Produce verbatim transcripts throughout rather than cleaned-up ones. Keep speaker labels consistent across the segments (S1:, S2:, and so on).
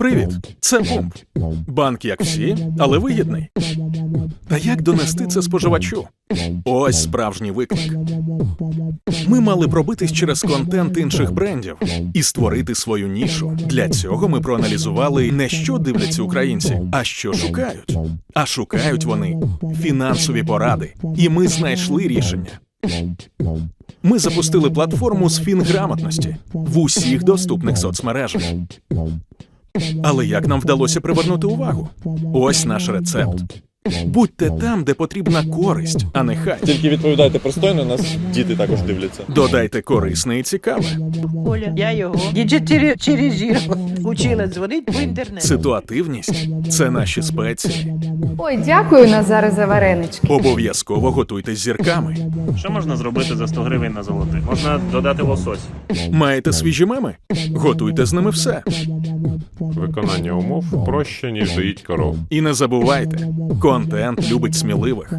S1: Привіт, це Пумп. Банк як всі, але вигідний. Та як донести це споживачу? Ось справжній виклик. Ми мали пробитись через контент інших брендів і створити свою нішу. Для цього ми проаналізували не що дивляться українці, а що шукають. А шукають вони фінансові поради. І ми знайшли рішення. Ми запустили платформу з фінграмотності в усіх доступних соцмережах. Але як нам вдалося привернути увагу? Ось наш рецепт. Будьте там, де потрібна користь, а не хайп.
S2: Тільки відповідайте пристойно, нас діти також дивляться.
S1: Додайте корисне і цікаве.
S3: Оля, я його діджитиризувала, учила дзвонити по інтернету.
S1: Ситуативність – це наші спеції.
S4: Ой, дякую, Назаре, за варенички.
S1: Обов'язково готуйте з зірками.
S5: Що можна зробити за сто гривень на золотих? Можна додати лосось.
S1: Маєте свіжі меми? Готуйте з ними все.
S6: Виконання умов проще, ніж доїть коров.
S1: І не забувайте, контент любить сміливих.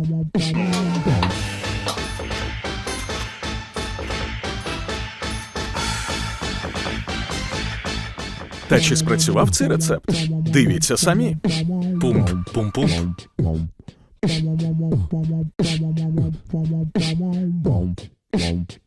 S1: Та чи спрацював цей рецепт? Дивіться самі. Пумп, пум-пум.
S7: Bump, bump, bump, bump, bump, bump, bump, bump, bump, bump, bump, bump.